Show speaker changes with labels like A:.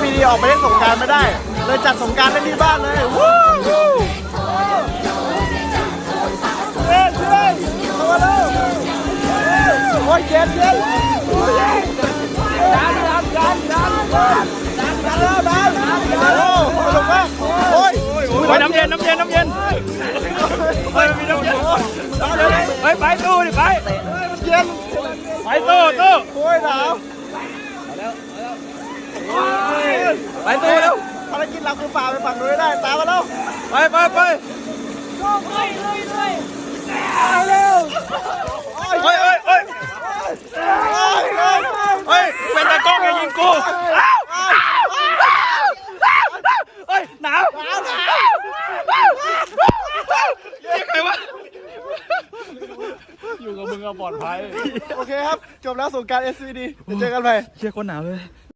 A: SVD ออกไปเล่นสงกรานต์ไม่ได้เลยจัดสงกรานต์เล่นที่บ้านเลยวู้วู้เฮ้ยเฮ้ยมาแล้วโอ้ยเย็นเย็นดันแล้วดันโอ้สนุกมากโอ้ย
B: น้ำเย็นเฮ้ยมีน้ำเย็นเฮ้ยไปตู้ดิไป
A: มันเย็น
B: ไปตู้
A: โอ้ยหนาว
B: ไปตู้แล้ว
A: ภารกิจเราคือฝ่าไปฝั่งนู้นได้ตามมาแล้ว
B: ไป
A: เร็วเฮ้ย
B: เป็นตะกล้องอย่ายิงกูเฮ้ยหนาวยังไงวะ
A: อยู่กับมึงก็ปลอดภัยโอเคครับจบแล้วสงกรานต์ SVD เดี๋ยวเจอกันใหม่
B: เชี่ยคนหนาวเลย